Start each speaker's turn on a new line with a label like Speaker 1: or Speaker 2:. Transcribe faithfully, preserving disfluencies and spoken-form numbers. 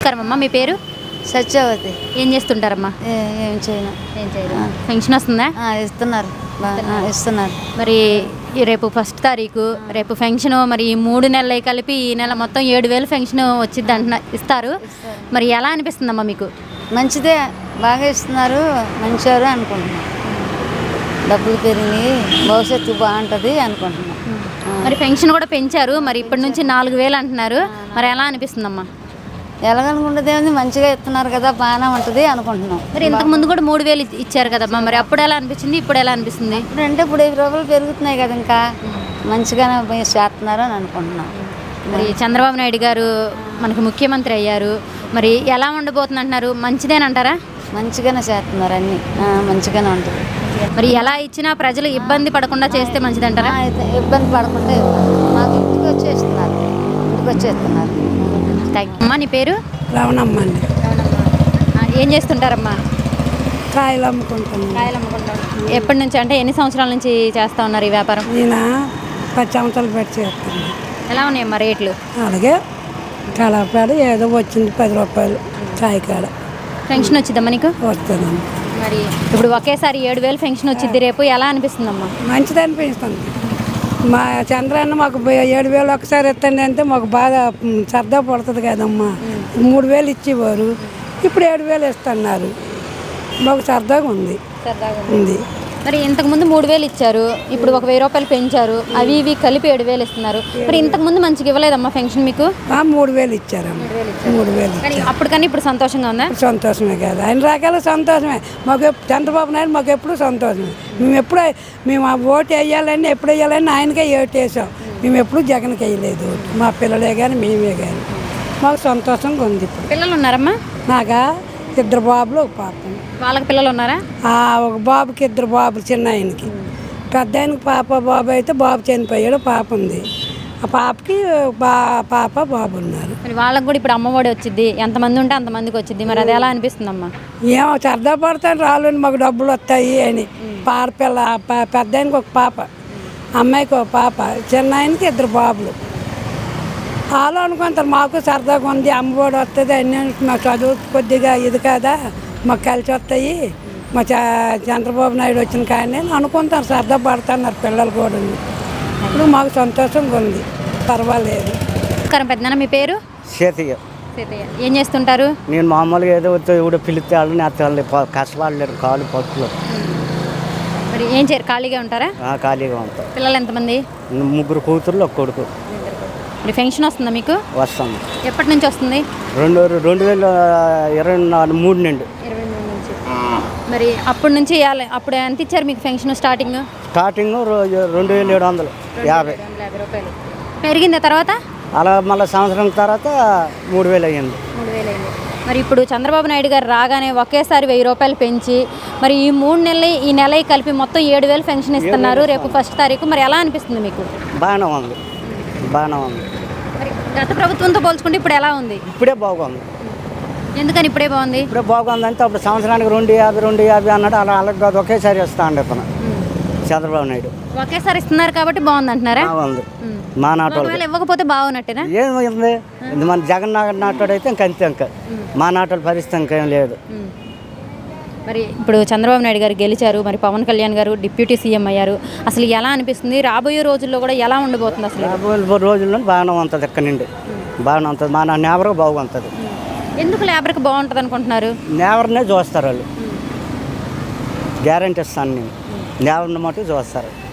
Speaker 1: నమస్కారం అమ్మా, మీ పేరు?
Speaker 2: సత్యవతి.
Speaker 1: ఏం చేస్తుంటారమ్మా?
Speaker 2: ఏ- ఏం చేయను.
Speaker 1: ఏం చేయదు. పెన్షన్ వస్తుందా?
Speaker 2: ఆ, ఇస్తున్నారు బా- ఆ, ఇస్తున్నారు.
Speaker 1: మరి ఈ రేపు ఫస్ట్ తారీఖు రేపు ఫెన్షన్, మరి ఈ మూడు నెలలు కలిపి ఈ నెల మొత్తం ఏడు వేలు ఫెన్షన్ వచ్చింది అంటున్నా, ఇస్తారు. మరి ఎలా అనిపిస్తుందమ్మా మీకు?
Speaker 2: మంచిదే, బాగా ఇస్తున్నారు, మంచివారు అనుకుంటున్నాం. డబ్బులు పెరిగినాయి, భవిష్యత్తు బాగుంటుంది అనుకుంటున్నాం.
Speaker 1: మరి పెన్షన్ కూడా పెంచారు, మరి ఇప్పటి నుంచి నాలుగు వేలు అంటున్నారు. మరి ఎలా అనిపిస్తుందమ్మా?
Speaker 2: ఎలాగనుకుంటుంది ఏముంది, మంచిగా ఇస్తున్నారు కదా, బాగానే ఉంటుంది అనుకుంటున్నాం.
Speaker 1: మరి ఇంతకు ముందు కూడా మూడు వేలు ఇచ్- ఇచ్చారు కదమ్మా, మరి అప్పుడు ఎలా అనిపించింది, ఇప్పుడు ఎలా అనిపిస్తుంది?
Speaker 2: అంటే ఇప్పుడు ఐదు రూపాయలు పెరుగుతున్నాయి కదా, ఇంకా మంచిగానే చేస్తున్నారు అని అనుకుంటున్నాం.
Speaker 1: మరి చంద్రబాబు నాయుడు గారు మనకు ముఖ్యమంత్రి అయ్యారు, మరి ఎలా ఉండబోతుంది అంటున్నారు? మంచిదేనంటారా?
Speaker 2: మంచిగానే చేస్తున్నారు, అన్నీ ఆ, మంచిగానే ఉంటుంది.
Speaker 1: మరి ఎలా ఇచ్చినా ప్రజలు ఇబ్బంది పడకుండా చేస్తే మంచిదంటారా?
Speaker 2: ఆ, అయితే ఇబ్బంది పడకుండా మాకు ఇంటికి వచ్చేస్తున్నారు, ఇంటికి వచ్చేస్తున్నారు.
Speaker 1: Thank you. అమ్మా, నీ పేరు?
Speaker 3: రవణమ్మ అండి.
Speaker 1: ఆ, ఏం చేస్తుంటారమ్మా?
Speaker 3: కాయలు అమ్ముకుంటున్నాను.
Speaker 1: కాయలు అమ్ముకుంటాం. ఎప్పటి నుంచి, అంటే ఎన్ని సంవత్సరాల నుంచి చేస్తూ ఉన్నారు ఈ వ్యాపారం?
Speaker 3: నేను పది సంవత్సరాలు పెట్టి చేస్తాను.
Speaker 1: ఎలా ఉన్నాయమ్మా రేట్లు?
Speaker 3: అలాగే కలపాడు ఏదో వచ్చింది పది రూపాయలు కాయకాడ
Speaker 1: పెన్షన్ వచ్చిందమ్మా నీకు?
Speaker 3: వస్తుందండి.
Speaker 1: మరి ఇప్పుడు ఒకేసారి ఏడు వేలు పెన్షన్ వచ్చింది, రేపు ఎలా అనిపిస్తుందమ్మా?
Speaker 3: మంచిది అనిపిస్తుంది. మా చంద్రాన్న మాకు బ- ఏడు వేలు ఒకసారి ఇస్తండి అంటే మాకు బాగా మ్, సరదా పడుతుంది కదమ్మా. మూడు వేలు ఇచ్చేవారు, ఇప్పుడు ఏడు వేలు ఇస్తున్నారు. మాకు సరదాగా ఉంది ఉంది
Speaker 1: మరి ఇంతకు ముందు మూడు వేలు ఇచ్చారు, ఇప్పుడు ఒక వెయ్యి రూపాయలు పెంచారు, అవి ఇవి కలిపి ఏడు వేలు ఇస్తున్నారు. మరి ఇంతకు ముందు మంచిగా ఇవ్వలేదమ్మా పెన్షన్ మీకు?
Speaker 3: ఆ, మూడు వేలు ఇచ్చారమ్మ. మూడు వేలు
Speaker 1: కానీ
Speaker 3: ఇచ్చారు.
Speaker 1: అప్పటికన్నా ఇప్పుడు సంతోషంగా ఉందా?
Speaker 3: సంతోషమే కదా, అన్ని రకాల సంతోషమే మాకు. ఎప్- చంద్రబాబు నాయుడు మాకు ఎప్పుడు సంతోషమే. మేము ఎప్పుడు మేము ఆ ఓటు వేయాలని ఎప్పుడు వేయాలని ఆయనకే ఓటు వేసాం. మేము ఎప్పుడు జగన్కి వేయలేదు ఓటు. మా పిల్లలే కానీ మేమే కానీ మాకు సంతోషంగా ఉంది. ఇప్పుడు
Speaker 1: పిల్లలు ఉన్నారమ్మా?
Speaker 3: నాగా ఇద్దరు బాబులు ఒక పాప.
Speaker 1: వాళ్ళకి పిల్లలు ఉన్నారా?
Speaker 3: ఆ, ఒక బాబుకి ఇద్దరు బాబులు, చిన్న ఆయనకి. పెద్ద ఆయనకి పాప బాబు అయితే బాబు చనిపోయాడు, పాప ఉంది. ఆ పాపకి బా పాప బాబు ఉన్నారు.
Speaker 1: మరి వాళ్ళకి కూడా ఇప్పుడు అమ్మఒడి వచ్చింది, ఎంతమంది ఉంటే అంతమందికి వచ్చింది. మరి అది ఎలా అనిపిస్తుందమ్మా?
Speaker 3: ఏమో సరదా పడతాను, రాళ్ళని మాకు డబ్బులు వస్తాయి అని. పాడపిల్ల ప- పెద్ద ఆయనకి ఒక పాప, అమ్మాయికి ఒక పాప, చిన్న ఆయనకి ఇద్దరు బాబులు. వాళ్ళు అనుకుంటారు మాకు సరదాగా ఉంది, అమ్మఒడి వస్తుంది అన్నీ. మా చదువు కొద్దిగా ఇది కాదా, మాకు కలిసి వస్తాయి, మా చ చంద్రబాబు నాయుడు వచ్చిన కానీ అనుకుంటారు, సరదా పడుతున్నారు పిల్లలు కూడా. ఇప్పుడు మాకు సంతోషంగా ఉంది, పర్వాలేదు.
Speaker 1: నమస్కారం పెద్దనాన్న, మీ పేరు?
Speaker 4: చేతిగా
Speaker 1: సీతయ్య. ఏం చేస్తుంటారు?
Speaker 4: నేను మామూలుగా ఏదో ఇప్పుడు పిలిస్తే వాళ్ళు నేస్తాను, కష్టపడలేరు, కాళ్ళు పట్టులు
Speaker 1: మరి ఏం చేయరు, ఖాళీగా ఉంటారా?
Speaker 4: ఖాళీగా ఉంటాం.
Speaker 1: పిల్లలు ఎంతమంది?
Speaker 4: ముగ్గురు కూతుర్లు ఒక కొడుకు.
Speaker 1: మరి పెన్షన్ వస్తుందా మీకు?
Speaker 4: వస్తాను.
Speaker 1: ఎప్పటి నుంచి వస్తుంది?
Speaker 4: రెండు రెండు వేల ఇరవై నాలుగు మూడు నుండి
Speaker 1: ఇరవై మూడు నుంచి. మరి అప్పటి నుంచి ఇవ్వాలి. అప్పుడు ఎంత ఇచ్చారు మీకు పెన్షన్ స్టార్టింగ్?
Speaker 4: స్టార్టింగ్ రెండు వేల ఏడు వందలు యాభై
Speaker 1: యాభై రూపాయలు పెరిగిందా తర్వాత?
Speaker 4: అలా మళ్ళీ సంవత్సరం తర్వాత మూడు వేలు అయ్యింది.
Speaker 1: మూడు వేలు అయింది. మరి ఇప్పుడు చంద్రబాబు నాయుడు గారు రాగానే ఒకేసారి వెయ్యి రూపాయలు పెంచి, మరి ఈ మూడు నెలలు ఈ నెల కలిపి మొత్తం ఏడు వేలు పెన్షన్ ఇస్తున్నారు రేపు ఫస్ట్ తారీఖు. మరి ఎలా అనిపిస్తుంది మీకు?
Speaker 4: బాగానే ఉంది, బాగానే ఉంది.
Speaker 1: మరి గత ప్రభుత్వంతో పోల్చుకుంటే ఇప్పుడు ఎలా ఉంది?
Speaker 4: ఇప్పుడే బాగుంది.
Speaker 1: ఎందుకని ఇప్పుడే బాగుంది?
Speaker 4: ఇప్పుడే బాగుంది అంటే అప్పుడు సంవత్సరానికి రెండు యాభై రెండు యాభై అన్నాడు, అలా అలాగే కాదు, ఒకేసారి ఇస్తా అండి ఇతను చంద్రబాబు నాయుడు.
Speaker 1: ఒకేసారి ఇస్తున్నారు కాబట్టి బాగుంది అంటున్నారా?
Speaker 4: బాగుంది. మా నాటోళ్ళు
Speaker 1: ఒకవేళ ఇవ్వకపోతే బాగున్నట్టేనా?
Speaker 4: ఏమైంది, ఇది మన జగన్ నాటోడు అయితే ఇంక అంతే, ఇంకా మా నాటోళ్ళ పరిస్థితి ఇంకేం లేదు.
Speaker 1: మరి ఇప్పుడు చంద్రబాబు నాయుడు గారు గెలిచారు, మరి పవన్ కళ్యాణ్ గారు డిప్యూటీ సీఎం అయ్యారు. అసలు ఎలా అనిపిస్తుంది? రాబోయే రోజుల్లో కూడా ఎలా ఉండబోతుంది అసలు?
Speaker 4: రాబోయే రోజుల్లో బాగానే ఉంటుంది, ఇక్కడ నుండి బాగానే ఉంటుంది. మా నా నేవర్ బాగుంటుంది.
Speaker 1: ఎందుకు లేబర్కి బాగుంటుంది అనుకుంటున్నారు?
Speaker 4: నేవర్నే చూస్తారు వాళ్ళు, గ్యారంటీ ఇస్తాను నేను, నేవర్ని మటు చూస్తారు.